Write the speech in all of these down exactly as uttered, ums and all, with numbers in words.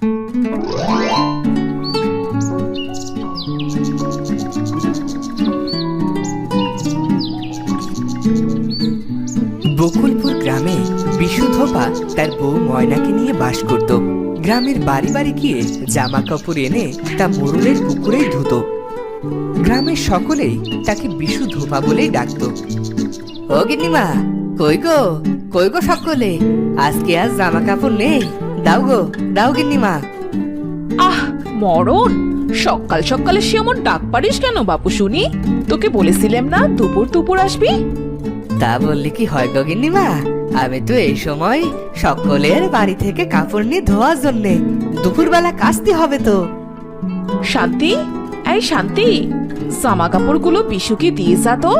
বকুলপুর গ্রামে বিশু ধোপা তার বউ ময়নাকে নিয়ে বাস করত। গ্রামের বাড়ি বাড়ি গিয়ে জামা কাপড় এনে তা মোড়লের পুকুরেই ধুতো। গ্রামের সকলেই তাকে বিশু ধোপা বলেই ডাকত। ও গিন্নিমা, কই গো কই গো সকলে, আজকে আজ জামা কাপড় নেই, দাও গো দাও গিন্নিমা। আহ মরণ, সকাল সকালে সে এমন ডাক পারিস কেন বাপু শুনি? তোকে বলেছিলাম না দুপুর দুপুর আসবি? তা বললে কি হয় গো গিন্নিমা, আমি তো এই সময় সকলের বাড়ি থেকে কাপড় নিয়ে ধোয়ার জন্যে, দুপুরবেলা কাচতে হবে তো। শান্তি, এই শান্তি, জামা কাপড়গুলো বিশুকে দিয়ে যা তো।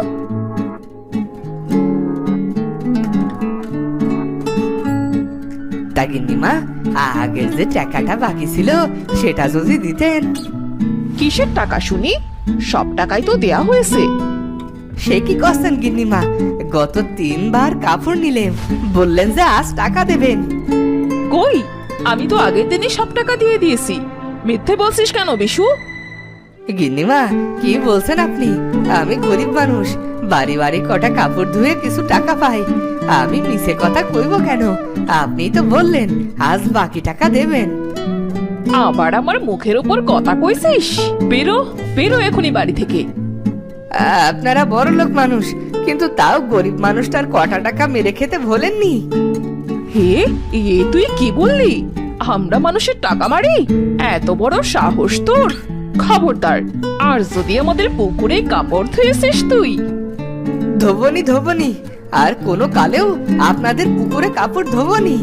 তা গিন্নিমা, আগের যে টাকাটা বাকি ছিল সেটা যদি দিতেন। কিসের টাকা শুনি? সব টাকাই তো দেয়া হয়েছে। সে কি করছেন গিন্নিমা, গত তিনবার কাপড় নিলেন, বললেন যে আজ টাকা দেবেন। কই, আমি তো আগের দিনই সব টাকা দিয়ে দিয়েছি। মিথ্যে বলছিস কেন বিশু? গিন্নিমা কি বলছেন আপনি? আমি গরিব মানুষ, বাড়ি বাড়ি কটা কাপড় ধুয়ে কিছু টাকা পাই, আমি মিছে কথা কইব কেন? আপনি তো বললেন আজ বাকি টাকা দেবেন। আবার আমার মুখের উপর কথা কইছিস? বেরো বেরো এখনই বাড়ি থেকে। আপনারা বড় লোক মানুষ, কিন্তু তাও গরিব মানুষটার কটা টাকা মেরে খেতে ভোলেননি। হে, এ তুই কি বললি? আমরা মানুষের টাকা মারি? এত বড় সাহস তোর! খবরদার, আর যদি আমাদের পুকুরে কাপড় ধুয়েছিস তুই। ধোবনি ধোবনি, আর কোনো কালেও আপনাদের পুকুরে কাপড় ধোবনি।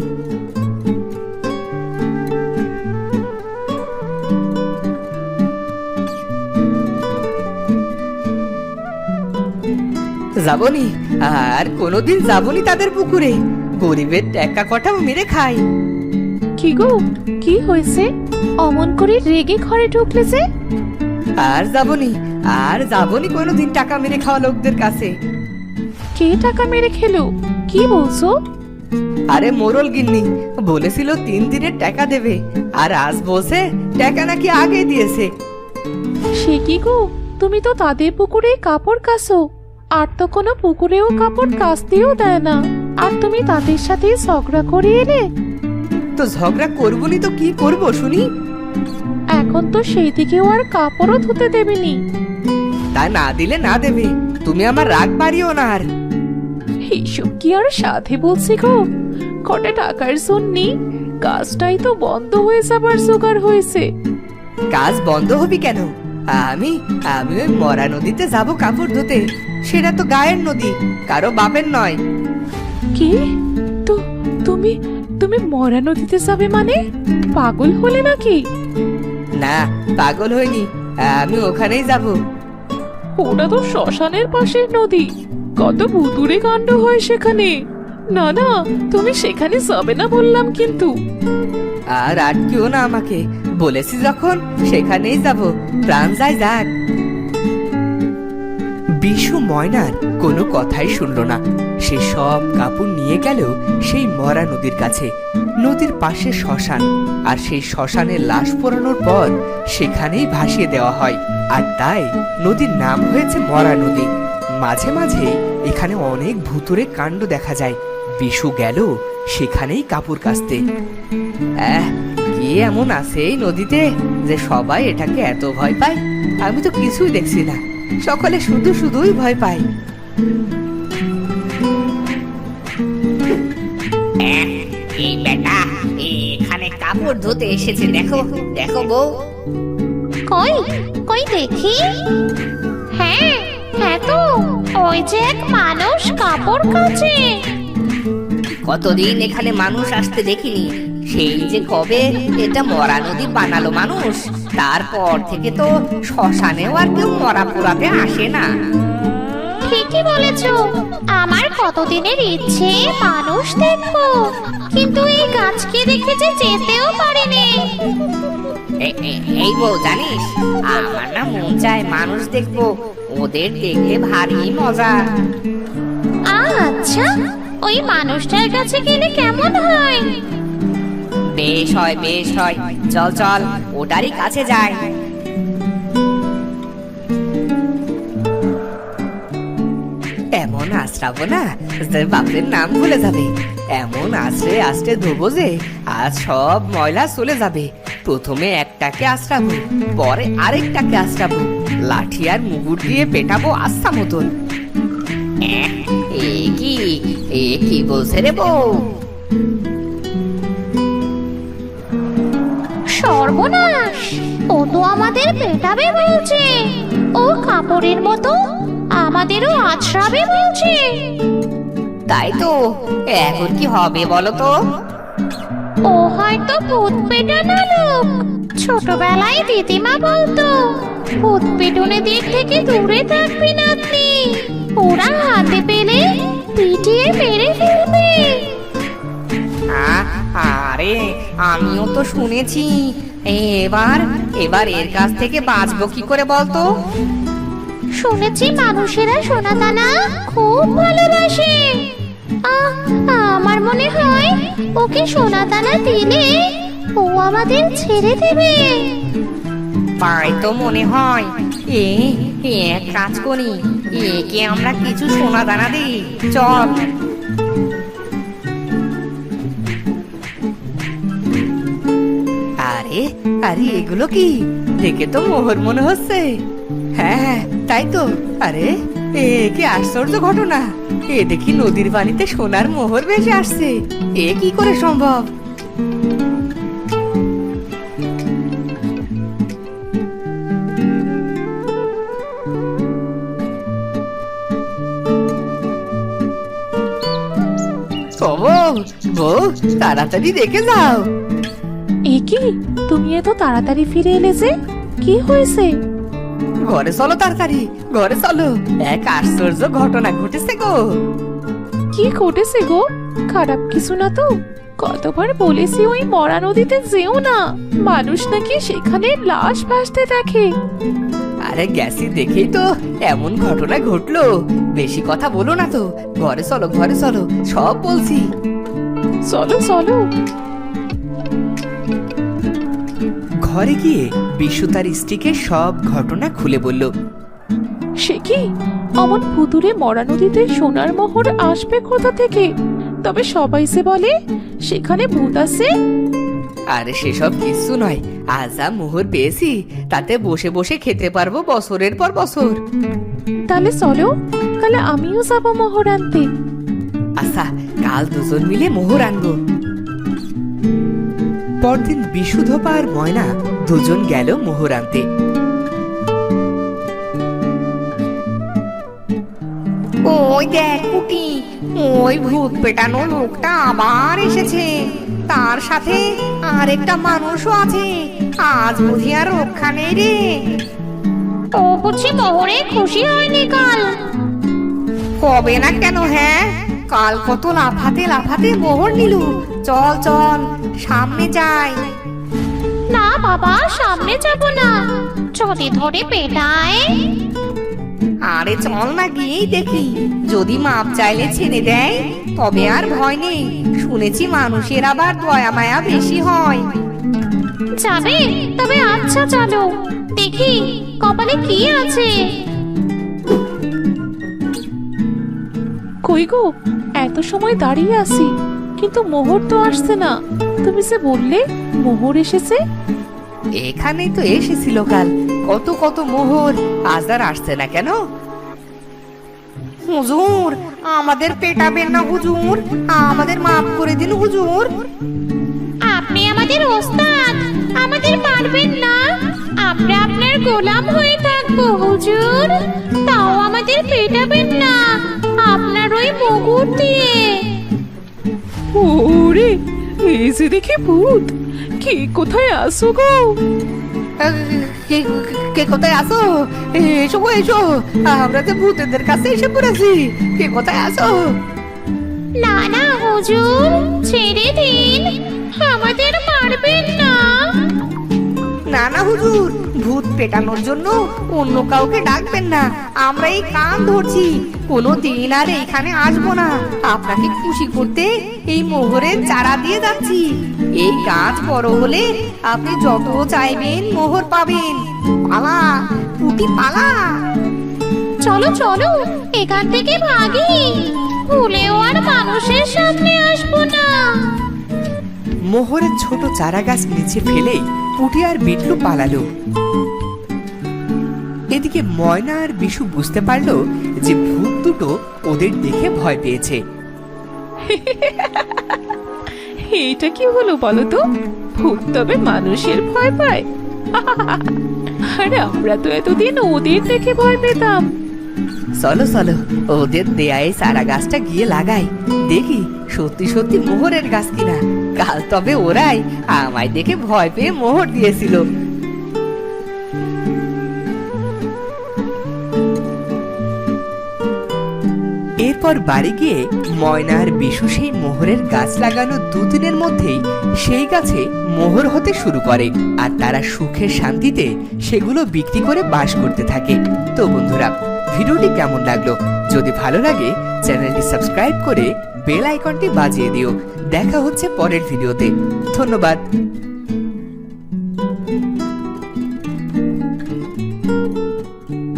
যাবনি, আর কোনোদিন যাবনি তাদের পুকুরে, গরিবের টাকা কটাও মেরে খাই। কি গো, কি হয়েছে? অমন করে রেগে ঘরে ঢুকলে যে? আর যাবনি, আর যাবনি কোনোদিন টাকা মেরে খাওয়া লোকদের কাছে। কে টাকা মেরে খেলো? কি বলছো? আরে মোরল গিন্নি বলেছিল তিন দিনের টাকা দেবে, আর আজ বলছে টাকা নাকি আগে দিয়েছে। সে কি গো, তুমি তো তাদের পুকুরে কাপড় কাচো, আর তো কোনো পুকুরেও কাপড় কাচতেও দেয় না, আর তুমি তাদের সাথে ঝগড়া করে এলে? তো ঝগড়া করবনি তো কি করব শুনি? এখন তো সেই দিকেও আর কাপড়ও ধুতে দেবেনি। তা না দিলে না দেবে, তুমি আমার রাগ বাড়িও না। আর এইসব কি আর সাথে বলছি গো, কটা টাকার জন্যে কাজটাই তো বন্ধ হয়ে যাবার জোগাড় হয়েছে। কাজ বন্ধ হবি কেন? আমি আমি ওই মরা নদীতে যাব কাপড় ধুতে, সেটা তো গায়ের নদী, কারো বাপের নয়। কি? তো তুমি তুমি মরা নদীতে যাবে মানে? পাগল হলে নাকি? না, পাগল হইনি, আমি ওখানেই যাব। ওটা তো শ্মশানের পাশের নদী, কত ভুতুড়ে কাণ্ড হয় সেখানে। না না, তুমি সেখানে যাবে না বললাম কিন্তু। আর আটকিও না আমাকে, বলেছি যখন সেখানেই যাব, প্রাণ যায় যাক। বিশু ময়নার কোনো কথাই শুনলো না, সে সব কাপড় নিয়ে গেল সেই মরা নদীর কাছে। নদীর পাশে শ্মশান, আর সেই শ্মশানের লাশ পোড়ানোর পর সেখানেই ভাসিয়ে দেওয়া হয়, আর তাই নদীর নাম হয়েছে মরা নদী। মাঝে মাঝে এখানে অনেক ভুতুড়ে কাণ্ড দেখা যায়। বিশু গেল সেখানেই কাপড় কাচতে। আহ, কি এমন আছে এই নদীতে যে সবাই এটাকে এত ভয় পায়? আমি তো কিছুই দেখছি না, সকলে শুধু শুধুই ভয় পায়। এই বেটা এখানে কাপড় ধুতে এসেছে, দেখো দেখো বউ। কই কই দেখি। হ্যাঁ হ্যাঁ, তো ওই যে এক মানুষ কাপড় কাচে। কতদিন এখানে মানুষ আসতে দেখিনি, সেই যে কবে এটা মরা নদী বানালো মানুষ, তারপর থেকে তো শ্মশানেও আর কেউ মরা পোড়াতে আসে না। ঠিকই বলেছ, আমার কতদিনের ইচ্ছে মানুষ দেখবো, কিন্তু এই গাছকে দেখে যে যেতেও পারিনি। এ- এ- এই বউ জানিস, আমার না মন চায় মানুষ দেখবো, ওদের দেখতে ভারী মজা। আচ্ছা, ওই মানুষটার কাছে গেলে কেমন হয়? বেশ হয় বেশ হয়, চল চল ওটারই কাছে যাই। এমন আশ্রাবো না যে বাপের নাম ভুলে যাবে। এমন আশ্রে আশ্রে ধোবো যে আজ সব ময়লা চলে যাবে। প্রথমে একটাকে আশ্রাবো, পরে আরেকটাকে আশ্রাবো, লাঠি আর মুগুর দিয়ে পেটাবো আস্থা মতন। এ কি এ কি বলছে রে বউ? সর্বনাশ, ও তো আমাদের পেটাবে বলছে। ও কাপড়ের মতো আমাদেরও আছড়াবে বলছে। তাই তো, এখন কি হবে বলো তো? ও হয়তো ভূত পেটানো লোক। ছোটবেলায় দিদিমা বলতো, ভূত পেটনে দিক থেকে দূরে থাকবি নাতনি, ওরা হাতে পেলে পিটিয়ে মেরে ফেলবে। আ- আরে আমিও তো শুনেছি। এবার এবার এর কাছ থেকে বাঁচবো কি করে বলতো? শুনেছি মানুষেরা সোনাদানা খুব ভালোবাসে। আহ, আমার মনে হয় ওকে সোনাদানা দিলে ও আমাদের ছেড়ে দেবে। তাই তো মনে হয়। এ এ এক কাজ করি, একে আমরা কিছু সোনা দানা দিই, চল। আরে আরে এগুলো কি? দেখে তো মোহর মনে হচ্ছে। হ্যাঁ হ্যাঁ তাই তো। আরে এ কি আশ্চর্য ঘটনা! এ দেখি নদীর পানিতে সোনার মোহর ভেসে আসছে। এ কি করে সম্ভব? ও বউ, বউ, তাড়াতাড়ি দেখে যাও। এ কি, তুমি এত তাড়াতাড়ি ফিরে এলে যে? কি হয়েছে? ঘরে চলো তাড়াতাড়ি, ঘরে চলো। এক আশ্চর্য ঘটনা ঘটেছে গো। কি ঘটেছে গো? খারাপ কিছু না তো? কতবার বলেছি ওই মরা নদীতে যেও না, মানুষ নাকি সেখানে লাশ ভাসতে দেখে। আরে গেছি দেখেই তো এমন ঘটনা ঘটলো। বেশি কথা বলো না তো, ঘরে চলো ঘরে চলো, সব বলছি। চলো চলো। ঘরে গিয়ে বিশু তার স্ত্রীকে সব ঘটনা খুলে বলল। সে কি, অমন ভুতুরে মরা নদীতে সোনার মোহর আসবে কোথা থেকে? তবে সবাই যে বলে সেখানে ভূত আছে। আরে সেসব কিছু নয়, আজ যা মোহর পেয়েছি তাতে বসে বসে খেতে পারবো বছরের পর বছর। তাহলে চলো, তাহলে আমিও যাবো মোহর আনতে। আচ্ছা, কাল দুজন মিলে মোহর আনবো। পরদিন বিশুধপা আর ময়না দুজন গেল মোহর আনতে। ওই দেখ কুটি, ওই ভূত পেটানো লোকটা আবার এসেছে। তার সাথে আরেকটা মানুষও আছে। আজ বুঝি আর রক্ষা নেই রে। ও বুঝি মোহরে খুশি হয়নি কাল। হবে না কেন? হ্যাঁ, কাল কত লাফাতে লাফাতে মোহর নিল। চল চল সামনে যাই। না বাবা, সামনে যাব না, যদি ধরে পেটায়। আরে চল না, গিয়েই দেখি। যদি মাপ চাইলে ছেড়ে দেয় তবে আর ভয় নেই। শুনেছি মানুষের আবার দয়া মায়া বেশি হয়। যাবে? তবে আচ্ছা চলো, দেখি কপালে কি আছে। কই গো, এত সময় দাঁড়িয়ে আছি কিন্তু মোহর তো আসছে না। তুমি যে বললে মোহর এসেছে। এখানেই তো এসেছিল কাল কত কত মোহর, আজ আর আসছে না কেন? হুজুর, আমাদের পেটাবেন না হুজুর, আমাদের মাফ করে দিন হুজুর। আপনি আমাদের ওস্তাদ, আমাদের পারবেন না। আমরা আপনার গোলাম হয়ে থাকবো হুজুর, তাও আমাদের পেটাবেন না আপনার ওই মুগুর দিয়ে। ওরে, এই যে দেখি ভূত। কে কোথায় আসো গো? কে কে কোথায় আসো? এসো গো, এসো। আমরা যে ভূতেদের কাছে এসে পড়েছি। কে কোথায় আসো? না না হুজুর, ছেড়ে দিন, আমাদের মারবেন না। না না হুজুর, ভূত পেটানোর জন্য অন্য কাউকে ডাকবেন না। আমরা এই কান ধরছি, কোনো দিন আর এইখানে আসবো না। আপনাকে খুশি করতে এই মোহরের চারা দিয়ে যাচ্ছি। এই গাছ বড় হলে আপনি যত চাইবেন মোহর পাবেন। পালা পুটি পালা। চলো চলো এখান থেকে ভাগি, ভুলেও আর মানুষের সামনে আসবো না। মোহরের ছোট চারা গাছ নিচে ফেলেই পুটি আর বিট্টু পালালো। এদিকে ময়না আর বিশু বুঝতে পারলো যে ভূত দুটো ওদের দেখে ভয় পেয়েছে। এইটা কি হলো বলো তো? ভূত তবে মানুষের ভয় পায়? আর আমরা তো এতদিন ওদের দেখে ভয় পেতাম। চলো চলো ওদের দেয়ায় চারা গাছটা গিয়ে লাগাই, দেখি সত্যি সত্যি মোহরের গাছ কিনা। কাল তবে ওরাই আমায় দেখে ভয় পেয়ে মোহর দিয়েছিল। এরপর বাড়ি গিয়ে ময়না আর বিশু সেই মোহরের গাছ লাগানো দুদিনের মধ্যেই সেই গাছে মোহর হতে শুরু করে, আর তারা সুখের শান্তিতে সেগুলো বিক্রি করে বাস করতে থাকে। তো বন্ধুরা, ভিডিওটি কেমন লাগলো? যদি ভালো লাগে চ্যানেলটি সাবস্ক্রাইব করে বেল আইকনটি বাজিয়ে দিও। দেখা হচ্ছে পরের ভিডিওতে। ধন্যবাদ।